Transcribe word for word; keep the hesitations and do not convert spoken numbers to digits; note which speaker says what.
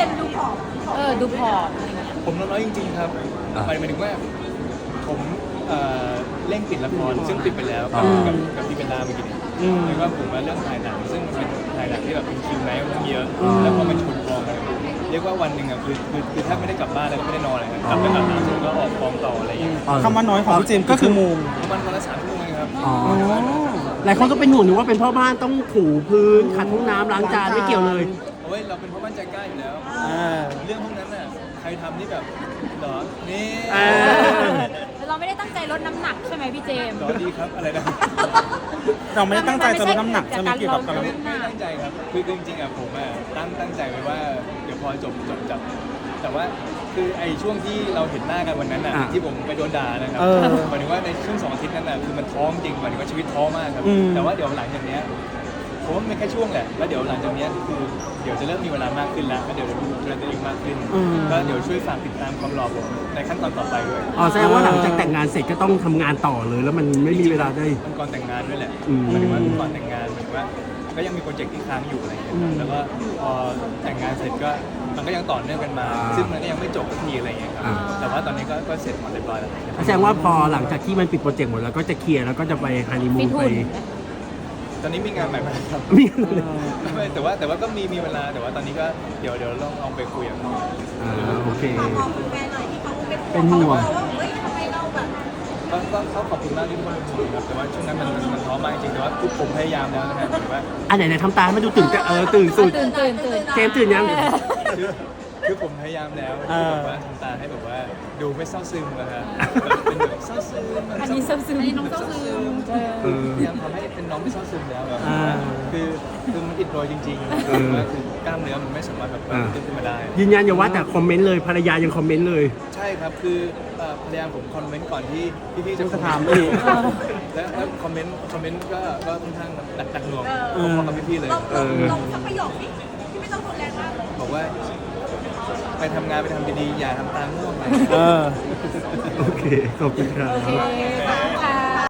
Speaker 1: มส์ดูผอมเออดูผอมอะไรเงี้ย
Speaker 2: ผมน้อยจริงๆครับหมายถึงว่าผมเอ่อเร่งปิดละครซึ่งปิดไปแล้วกับกับกับพี่เบลล่าเมื่อกี้นี้แล้วก็ผมมาเรื่องถ่ายหนังซึ่งมันเป็นถ่ายหนังที่แบบเป็นคิวไนท์ค่อนข้างเยอะแล้วพอมันชนกองกันเรียกว่าวันหนึ่งอ่ะคือคือคือถ้าไม่ได้กลับบ้านแล้วก็ไม่ได้นอนเลยครับกลับไปอาบน้ำเสร็จก็ออกกองต่ออะไรอย่างเงี้ย
Speaker 3: คำว่าน้อยของพี่เจมส์ก็คือโมง
Speaker 2: ประมาณวันละสามชั่วโมงเองครับ
Speaker 4: อ๋อหลายคนก็เป็นห่วงหนูว่าเป็นพ่อบ้านต้องถูพื้นขัดห้องน้ำล้างจานไม่เกี่ยวเลย
Speaker 2: โอ้ยเราเป็นพ่อบ้านใจกล้าอยู่แล้วเรื่องพวกนั้นน่ะใครทำนี่แบบเหรอนี่
Speaker 1: แต่เราไม่ได้ตั้งใจลดน้ำหนักใช่ไหมพี่เจมส์
Speaker 2: เหรอดีครับอะไรนะ
Speaker 3: เราไม่ได้ตั้งใจจะลดน้ำหนักใช่ไหมเกี่ยวกับการ
Speaker 2: ไม่ไม่ตั้งใจครับคือจริงๆอ่ะผมอ่ะตั้งตั้งใจไว้ว่าเดี๋ยวพอจบจบจับแต่ว่าคือไอ้ช่วงที่เราเห็นหน้ากันวันนั้นน่ะ
Speaker 4: อ่ะ
Speaker 2: ที่ผมไปโดนด่านะครับ
Speaker 3: เออ
Speaker 2: หมายถึงว่าในช่วงสองอาทิตย์นั้นน่ะคือมันท้องจริงหมายถึงว่าชีวิตท้อมากครับ
Speaker 3: อืม
Speaker 2: แต่ว่าเดี๋ยวหลังจากเนี้ยผมว่ามันแค่ช่วงแหละแล้วเดี๋ยวหลังจากเนี้ยคือเดี๋ยวจะเริ่มมีเวลามากขึ้นแล้วก็เดี๋ยวจะดูแลตัวเองมากขึ้นก็เดี๋ยวช่วยฝากติดตามความหล่อผมในขั้นตอนต่อไปด้วย
Speaker 4: อ๋อแสดงว่าหลังจากแต่งงานเสร็จก็ต้องทำงานต่อเลย แล้วมันไม่มีเวลาได้
Speaker 2: มันก่อนแต่งงานด้วยแหละ
Speaker 4: อืม
Speaker 2: หมายถึงว่าก่อนแต่งงานหมายถึงว่าก็ยังมีโปรเจกต์ที่ค้างอยู่อะไรอย่างเงี้ยครับแล้วก็พอแต่งงานเสร็จก็มันก็ยังต่อเนื่องกันมา ซึ่งมันก็ยังไม่จบสักทีอะไรอย่างเงี้ยครับแต่ว่าตอนนี้ก็ก็เสร็จหมดเรียบร้อยแล้ว
Speaker 4: แสดงว่าพอหลังจากที่มันปิดโปรเจกต์หมดแล้วก็จะเคลียร์แล้วก็จะไปฮันนีมู
Speaker 1: ฟิ
Speaker 4: น
Speaker 1: ต
Speaker 4: ไป
Speaker 1: หุ่น
Speaker 2: ตอนนี้มีงานใหม่มาครับ
Speaker 4: มี
Speaker 2: ไม่แต่ว่าแต่ว่าก็มีมีเวลาแต่ว่าตอนนี้ก็เดี๋ยวเดี๋ยวลองลองไปคุยกับเขา
Speaker 4: อ่าโอเค
Speaker 1: ฝากบอกคุณแม่หน่อยที่เขาเป็น
Speaker 4: เป็นห่วง
Speaker 1: เขาบอกว่าเฮ้ยทำไมเราแบบ
Speaker 2: ก็ก็เขาขอบคุณมากที่ทุกคนเป็นห่วงครับแต่ว่าช่วงนั้นมันมันมันท้อมากจริงๆแต่ว่าทุกผมพยายามแล้วนะครับแต่ว่า
Speaker 4: อันไหนไหนทำตาให้มันดูตื่นจะเออตื่นสุด
Speaker 1: ตื่นตื่นตื่น
Speaker 4: เจมส์ตื่นยัง
Speaker 2: คือคือผมพยายามแล้ว
Speaker 3: เอ
Speaker 2: ที่
Speaker 3: อ
Speaker 2: แบบว่าทำตาให้แบบว่าดูไม่เศร้าซึมนะครับแบบเป็นแบบเศร้าซึม
Speaker 1: อันนี้เศร้าซึมอันนี้น้องเศร้าซึมเออ
Speaker 4: เออ
Speaker 2: พยายามทำให้เป็นน้องไม่เศร้าซึมแล้วแบบ
Speaker 3: อ่า
Speaker 2: คือคือมันอิดโรยจริงๆ
Speaker 4: เออ
Speaker 2: ว่าคือกล้ามเนื้อมันไม่สามารถแบบ
Speaker 4: อ่า
Speaker 2: ขึ้นมาได้
Speaker 4: ยืนยันอย่าว่าแต่คอมเมนต์เลยภรรยายังคอมเมนต์เลย
Speaker 2: ใช่ครับคือเอ่อภรรยาผมคอมเมนต์ก่อนที่พี่ๆจะ
Speaker 3: จะถามอีก
Speaker 2: แล้วแล้วคอมเมนต์คอมเมนต์ก็ก็ค่อนข้างหนักหนักหน่วง
Speaker 3: เออ
Speaker 2: พอๆกับพี่ๆเลย
Speaker 1: ลองลองลองสักประโยคนี้ที่ไม่ต้องรุนแรงมากเลย
Speaker 2: บอกว่าไปทำงานไปทำดีๆอย่าทำตาง่วงไป
Speaker 3: เออ
Speaker 4: โอเค ขอบคุณครับ
Speaker 1: โอเคค่ะ